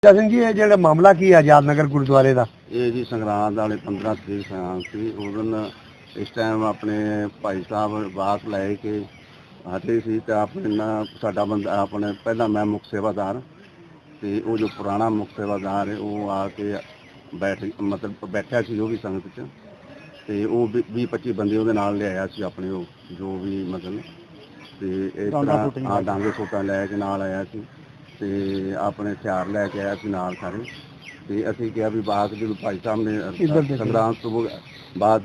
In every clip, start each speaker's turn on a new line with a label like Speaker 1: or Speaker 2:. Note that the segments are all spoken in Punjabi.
Speaker 1: ਸਿੰਘ ਜੀ ਇਹ ਜਿਹੜਾ ਮਾਮਲਾ ਕੀ ਹੈ ਆਜ਼ਾਦ ਨਗਰ ਗੁਰਦੁਆਰੇ ਦਾ?
Speaker 2: ਇਹ ਜੀ ਸੰਗਰਾਂਦ ਵਾਲੇ 15 ਤਰੀਕ ਸੰਗਰਾਂਦ ਸੀ। ਉਸ ਦਿਨ ਇਸ ਟਾਈਮ ਆਪਣੇ ਭਾਈ ਸਾਹਿਬ ਬਾਤ ਲੈ ਕੇ ਹਟੇ ਸੀ ਤੇ ਆਪਣੇ ਨਾ ਸਾਡਾ ਬੰਦਾ ਆਪਣੇ ਪਹਿਲਾਂ ਮੈਂ ਮੁੱਖ ਸੇਵਾਦਾਰ ਤੇ ਉਹ ਜੋ ਪੁਰਾਣਾ ਮੁੱਖ ਸੇਵਾਦਾਰ ਹੈ ਉਹ ਆ ਕੇ ਮਤਲਬ ਬੈਠਿਆ ਸੀ ਉਹ ਵੀ ਸੰਗਤ 'ਚ ਤੇ ਉਹ 20-25 ਬੰਦੇ ਉਹਦੇ ਨਾਲ ਲਿਆਇਆ ਸੀ ਆਪਣੇ ਉਹ ਜੋ ਵੀ ਮਤਲਬ ਤੇ ਇਸ ਤਰ੍ਹਾਂ ਡਾਂਗੇ ਸੋਟਾਂ ਲੈ ਕੇ ਨਾਲ ਆਇਆ ਸੀ ਤੇ ਆਪਣੇ ਹਥਿਆਰ ਲੈ ਕੇ ਆਇਆ ਸੀ ਨਾਲ ਸਾਰੇ। ਤੇ ਅਸੀਂ ਕਿਹਾ ਵੀ ਬਾਅਦ ਜਦੋਂ ਭਾਈ ਸਾਹਿਬ ਨੇ ਸੰਗਰਾਂਦ ਤੋਂ ਬਾਅਦ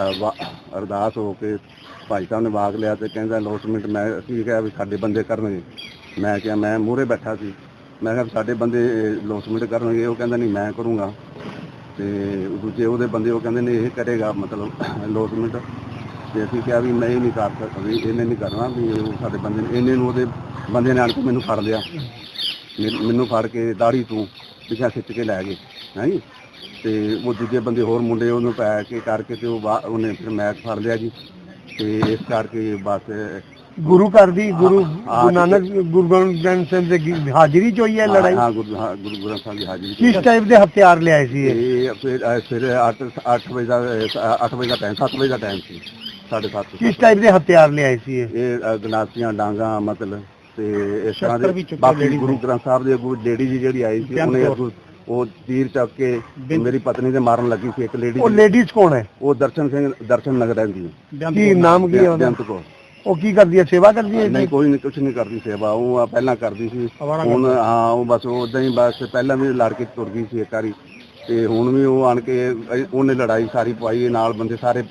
Speaker 2: ਅਰਦਾਸ ਹੋ ਕੇ ਭਾਈ ਸਾਹਿਬ ਨੇ ਬਾਗ ਲਿਆ ਤੇ ਕਹਿੰਦਾ ਅਲੌਟਮੈਂਟ ਮੈਂ ਅਸੀਂ ਕਿਹਾ ਵੀ ਸਾਡੇ ਬੰਦੇ ਕਰਨਗੇ। ਮੈਂ ਕਿਹਾ ਮੈਂ ਮੂਹਰੇ ਬੈਠਾ ਸੀ, ਮੈਂ ਕਿਹਾ ਸਾਡੇ ਬੰਦੇ ਅਲੌਟਮੈਂਟ ਕਰਨਗੇ। ਉਹ ਕਹਿੰਦਾ ਨਹੀਂ ਮੈਂ ਕਰੂੰਗਾ। ਤੇ ਦੂਜੇ ਉਹਦੇ ਬੰਦੇ ਉਹ ਕਹਿੰਦੇ ਨੇ ਇਹ ਕਰੇਗਾ ਮਤਲਬ ਅਲੌਟਮੈਂਟ। ਤੇ ਅਸੀਂ ਕਿਹਾ ਵੀ ਮੈਂ ਇਹ ਨਹੀਂ ਕਰ ਸਕਦਾ, ਵੀ ਇਹਨੇ ਨਹੀਂ ਕਰਨਾ, ਵੀ ਉਹ ਸਾਡੇ ਬੰਦੇ ਨੇ ਇਹਨੇ ਨੂੰ ਉਹਦੇ ਬੰਦੇ ਨੇ ਆਣ ਕੇ ਮੈਨੂੰ ਫੜ ਲਿਆ, ਮੈਨੂੰ ਫੜ ਕੇ ਦਾੜੀ ਤੋਂ ਪਿੱਛਾ ਖਿੱਚ ਕੇ ਲੈ ਗਏ ਹੈ ਜੀ। ਤੇ ਉਹ ਦੂਜੇ ਬੰਦੇ ਹੋਰ ਮੁੰਡੇ ਉਹਨੂੰ ਪੈ ਕੇ ਕਰਕੇ ਤੇ ਉਹਨੇ ਫਿਰ ਮੈਚ ਫੜ ਲਿਆ ਜੀ। ਤੇ ਇਸ ਕਰਕੇ ਬਸ
Speaker 1: ਗੁਰੂ ਘਰ ਦੀ ਗੁਰੂ ਨਾਨਕ ਗੁਰੂ ਗ੍ਰੰਥ ਸਾਹਿਬ ਦੀ ਹਾਜ਼ਰੀ ਚ ਹੋਈ ਹੈ ਲੜਾਈ?
Speaker 2: ਹਾਂ ਗੁਰੂ ਗ੍ਰੰਥ ਸਾਹਿਬ ਦੀ ਹਾਜ਼ਰੀ।
Speaker 1: ਕਿਸ ਟਾਈਪ ਦੇ ਹਥਿਆਰ ਲਿਆਏ ਸੀ ਇਹ?
Speaker 2: ਫਿਰ 8 ਵਜੇ ਦਾ ਟਾਈਮ 7 ਵਜੇ ਦਾ ਟਾਈਮ ਸੀ, 7:30।
Speaker 1: ਕਿਸ ਟਾਈਪ ਦੇ ਹਥਿਆਰ ਲਿਆਏ ਸੀ
Speaker 2: ਇਹ ਗਨਾਸੀਆਂ ਡਾਂਗਾ ਮਤਲਬ ਤੇ ਇਸ ਤਰ੍ਹਾਂ ਦੇ। ਬਾਕੀ ਗੁਰੂ ਗ੍ਰੰਥ ਸਾਹਿਬ ਦੇ ਅੱਗੋਂ ਲੇਡੀ ਜੀ ਜਿਹੜੀ ਆਈ ਸੀ ਉਹਨੇ ਉਹ ਤੀਰ ਚੱਕ ਕੇ ਮੇਰੀ ਪਤਨੀ ਦੇ ਮਾਰਨ ਲੱਗੀ ਸੀ ਇੱਕ ਲੇਡੀ।
Speaker 1: ਉਹ ਲੇਡੀਜ਼ ਕੌਣ ਹੈ?
Speaker 2: ਉਹ ਦਰਸ਼ਨ ਨਗਰ ਰਹਿੰਦੀ ਹੈ।
Speaker 1: ਕੀ ਨਾਮ ਕੀ ਹੈ ਉਹਦਾ? ਉਹ ਕੀ ਕਰਦੀ ਹੈ, ਸੇਵਾ ਕਰਦੀ ਹੈ?
Speaker 2: ਨਹੀਂ ਕੋਈ ਨਹੀਂ, ਕੁਛ ਨਹੀਂ ਕਰਦੀ ਸੇਵਾ। ਉਹ ਪਹਿਲਾਂ ਕਰਦੀ ਸੀ, ਹੁਣ ਹਾਂ ਉਹ ਬਸ ਉਦਾਂ ਹੀ ਬਸ ਪਹਿਲਾਂ ਵੀ ਲੜ ਕੇ ਤੁਰ ਗਈ ਸੀ ਇੱਕ ਵਾਰੀ ਤੇ ਹੁਣ ਵੀ ਉਹ ਆਣ ਕੇ ਉਹਨੇ ਲੜਾਈ ਸਾਰੀ ਪਵਾਈ ਨਾਲ ਬੰਦੇ ਸਾਰੇ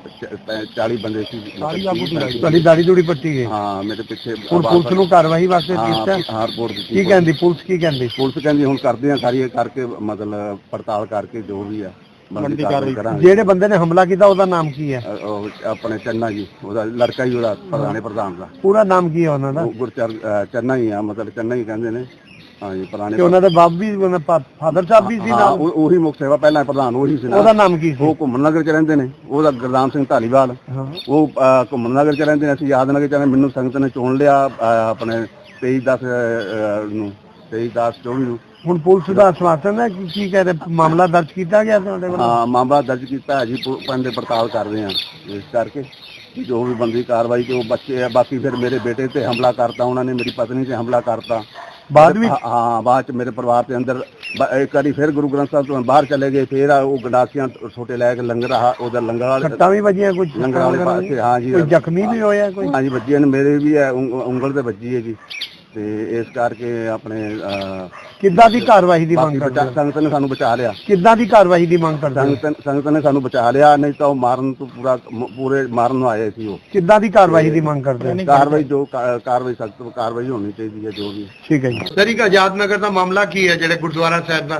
Speaker 2: 25-40 ਬੰਦੇ ਸੀ।
Speaker 1: ਤੁਹਾਡੀ ਦਾੜੀ ਦੂੜੀ ਪੱਟੀ ਗਈ?
Speaker 2: ਹਾਂ ਮੇਰੇ ਪਿੱਛੇ।
Speaker 1: ਪੁਲਿਸ ਨੂੰ ਕਾਰਵਾਈ ਵਾਸਤੇ ਕੀਤਾ?
Speaker 2: ਹਾਂ ਰਿਪੋਰਟ ਦਿੱਤੀ।
Speaker 1: ਕੀ ਕਹਿੰਦੀ ਪੁਲਿਸ? ਕੀ ਕਹਿੰਦੀ
Speaker 2: ਪੁਲਿਸ? ਕਹਿੰਦੀ ਹੁਣ ਕਰਦੇ ਆ ਸਾਰੀ ਕਰਕੇ ਮਤਲਬ ਪੜਤਾਲ ਕਰਕੇ ਜੋ ਵੀ ਆ ਬਣਦੀ ਕਾਰਵਾਈ ਕਰਾਂਗੇ।
Speaker 1: ਜਿਹੜੇ ਬੰਦੇ ਨੇ ਹਮਲਾ ਕੀਤਾ ਉਹਦਾ ਨਾਮ ਕੀ ਹੈ?
Speaker 2: ਆਪਣੇ ਚੰਨਾ ਜੀ, ਉਹਦਾ ਲੜਕਾ ਹੀ ਉਹਦਾ ਪ੍ਰਧਾਨ ਦਾ।
Speaker 1: ਪੂਰਾ ਨਾਮ ਕੀ ਹੈ ਉਹਨਾਂ ਦਾ?
Speaker 2: ਚੰਨਾ ਹੀ ਆ, ਮਤਲਬ ਚੰਨਾ ਹੀ ਕਹਿੰਦੇ ਨੇ। ਹਾਂਜੀ ਪੁਰਾਣੇ।
Speaker 1: ਉਹਨਾਂ ਦੇ ਬਾਪ ਵੀ ਫਾਦਰ ਸਾਹਿਬ ਵੀ ਸੀ ਨਾਲ?
Speaker 2: ਉਹੀ ਮੁੱਖ ਸੇਵਾ ਪਹਿਲਾਂ ਪ੍ਰਧਾਨ ਉਹੀ ਸੀ।
Speaker 1: ਉਹਦਾ ਨਾਮ ਕੀ ਸੀ?
Speaker 2: ਉਹ ਘੁੰਮਣ ਨਗਰ ਚ ਰਹਿੰਦੇ ਨੇ, ਉਹਦਾ ਗੁਰਦਾਮ ਸਿੰਘ ਧਾਲੀਵਾਲ। ਉਹ ਘੁੰਮਣ ਨਗਰ ਚ ਰਹਿੰਦੇ ਨੇ, ਅਸੀਂ ਯਾਦ ਨਗਰ ਚ। ਮੈਨੂੰ ਸੰਗਤ ਨੇ ਚੁਣ ਲਿਆ ਆਪਣੇ 23/10 ਨੂੰ, 23/10/24 ਨੂੰ। ਹੁਣ
Speaker 1: ਪੁਲਿਸ ਦਾ ਆਸ਼ਵਾਸਨ ਹੈ ਕੀ ਕਹਿੰਦੇ? ਮਾਮਲਾ ਦਰਜ ਕੀਤਾ ਗਿਆ ਤੁਹਾਡੇ ਵੱਲੋਂ?
Speaker 2: ਹਾਂ ਮਾਮਲਾ ਦਰਜ ਕੀਤਾ ਹੈ ਜੀ, ਪਿੰਡ ਪੜਤਾਲ ਕਰਦੇ ਆ ਇਸ ਕਰਕੇ ਜੋ ਵੀ ਬੰਦੀ ਕਾਰਵਾਈ ਤੇ ਉਹ ਬੱਚੇ ਆ। ਬਾਕੀ ਫਿਰ ਮੇਰੇ ਬੇਟੇ ਤੇ ਹਮਲਾ ਕਰਤਾ ਉਹਨਾਂ ਨੇ, ਮੇਰੀ ਪਤਨੀ ਤੇ ਹਮਲਾ ਕਰਤਾ ਬਾਅਦ ਵਿੱਚ। ਹਾਂ ਬਾਅਦ ਚ ਮੇਰੇ ਪਰਿਵਾਰ ਦੇ ਅੰਦਰ ਇੱਕ ਵਾਰੀ ਫਿਰ ਗੁਰੂ ਗ੍ਰੰਥ ਸਾਹਿਬ ਤੋਂ ਬਾਹਰ ਚਲੇ ਗਏ। ਫਿਰ ਉਹ ਗੰਡਾਸੀਆਂ ਛੋਟੇ ਲੈ ਕੇ ਲੰਗਰ ਉਹਦਾ ਲੰਗਰ ਵਾਲੇ ਸੱਟਾਂ ਵੀ ਵੱਜੀਆਂ ਕੁਝ ਲੰਗਰ ਵਾਲੇ ਪਾਸੇ। ਹਾਂ ਜੀ
Speaker 1: ਜ਼ਖਮੀ ਵੀ ਹੋਇਆ ਕੋਈ?
Speaker 2: ਹਾਂ ਜੀ ਵੱਜੀਆਂ ਨੇ, ਮੇਰੇ ਵੀ ਹੈ ਉਂਗਲ ਤੇ ਵੱਜੀ ਹੈ ਜੀ। ਤੇ ਇਸ ਕਰਕੇ ਆਪਣੇ
Speaker 1: ਕਿੱਦਾਂ ਦੀ ਕਾਰਵਾਈ ਦੀ ਮੰਗ ਕਰਦੇ?
Speaker 2: ਸੰਗਤ ਨੇ ਸਾਨੂੰ ਬਚਾ ਲਿਆ।
Speaker 1: ਕਿੱਦਾਂ ਦੀ ਕਾਰਵਾਈ ਦੀ ਮੰਗ ਕਰਦੇ?
Speaker 2: ਸੰਗਤ ਨੇ ਸਾਨੂੰ ਬਚਾ ਲਿਆ, ਨਹੀਂ ਤਾਂ ਉਹ ਮਾਰਨ ਤੋਂ ਪੂਰੇ ਮਾਰਨ ਨੂੰ ਆਏ ਸੀ। ਉਹ ਕਿੱਦਾਂ
Speaker 1: ਦੀ ਕਾਰਵਾਈ ਦੀ ਮੰਗ ਕਰਦੇ?
Speaker 2: ਕਾਰਵਾਈ ਜੋ ਕਾਰਵਾਈ ਸਖਤ ਕਾਰਵਾਈ ਹੋਣੀ ਚਾਹੀਦੀ ਹੈ ਜੋ ਵੀ।
Speaker 1: ਠੀਕ ਹੈ ਜੀ। ਸਰ ਇੱਕ ਆਜ਼ਾਦ ਨਗਰ ਦਾ ਮਾਮਲਾ ਕੀ ਹੈ ਜਿਹੜੇ ਗੁਰਦੁਆਰਾ ਸਾਹਿਬ ਦਾ?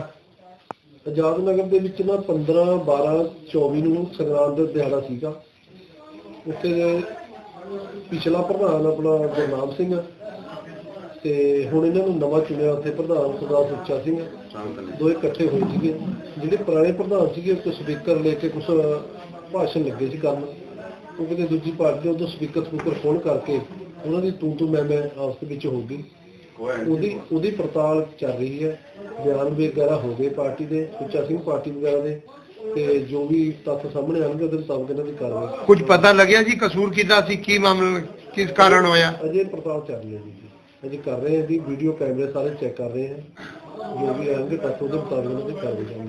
Speaker 3: ਆਜ਼ਾਦ ਨਗਰ ਦੇ ਵਿੱਚ ਨਾ 15/12/24 ਨੂੰ ਸੰਗਰਾਂਦ ਦਾ ਦਿਹਾੜਾ ਸੀਗਾ। ਉੱਥੇ ਪਿਛਲਾ ਪ੍ਰਧਾਨ ਆਪਣਾ ਗੁਰਨਾਮ ਸਿੰਘ ਤੇ ਹੁਣ ਇਹਨਾਂ ਨੂੰ ਨਵਾਂ ਚੁਣਿਆ ਉੱਥੇ ਪ੍ਰਧਾਨ ਸਰਦਾਰ ਸੁੱਚਾ ਸਿੰਘ, ਦੋਏ ਇਕੱਠੇ ਹੋਏ ਸੀਗੇ। ਜਿਹੜੇ ਪੁਰਾਣੇ ਪ੍ਰਧਾਨ ਸੀਗੇ ਕੁਝ ਸਪੀਕਰ ਲੈ ਕੇ ਕੁਝ ਭਾਸ਼ਣ ਲੱਗੇ ਸੀ ਕਰਨ। ਉਹ ਕਿਤੇ ਦੂਜੀ ਪਾਰਟੀ ਦੇ ਉਦੋਂ ਸਪੀਕਰ ਫੋਨ ਕਰਕੇ ਉਹਨਾਂ ਦੀ ਤੂੰ ਮੈਂ ਆਪਸ ਦੇ ਵਿੱਚ ਹੋ ਗਈ। ਉਹਦੀ ਪੜਤਾਲ ਚੱਲ ਰਹੀ ਹੈ। ਬਿਆਨ ਵਗੈਰਾ ਹੋ ਗਏ ਪਾਰਟੀ ਦੇ, ਸੁੱਚਾ ਸਿੰਘ ਪਾਰਟੀ ਵਗੈਰਾ ਦੇ, ਤੇ ਜੋ ਵੀ ਤੱਥ ਸਾਹਮਣੇ ਆਉਣਗੇ ਉਹਦੇ ਮੁਤਾਬਕ ਇਹਨਾਂ ਦੀ ਕਾਰਵਾਈ।
Speaker 1: ਕੁਝ ਪਤਾ ਲੱਗਿਆ ਜੀ ਕਸੂਰ ਕਿਹਦਾ ਸੀ, ਕੀ ਮਾਮਲਾ ਕਿਸ ਕਾਰਨ ਹੋਇਆ?
Speaker 3: ਅਜੇ ਪੜਤਾਲ ਚੱਲ ਰਹੀ ਹੈ ਜੀ, ਅਜੇ ਕਰ ਰਹੇ ਹਾਂ ਜੀ। ਵੀਡੀਓ ਕੈਮਰੇ ਸਾਰੇ ਚੈੱਕ ਕਰ ਰਹੇ ਹਾਂ, ਜੋ ਵੀ ਆਉਣਗੇ ਤੱਥ ਉਹਦੇ ਮੁਤਾਬਕ ਇਹਨਾਂ ਦੀ ਕਾਰਵਾਈ।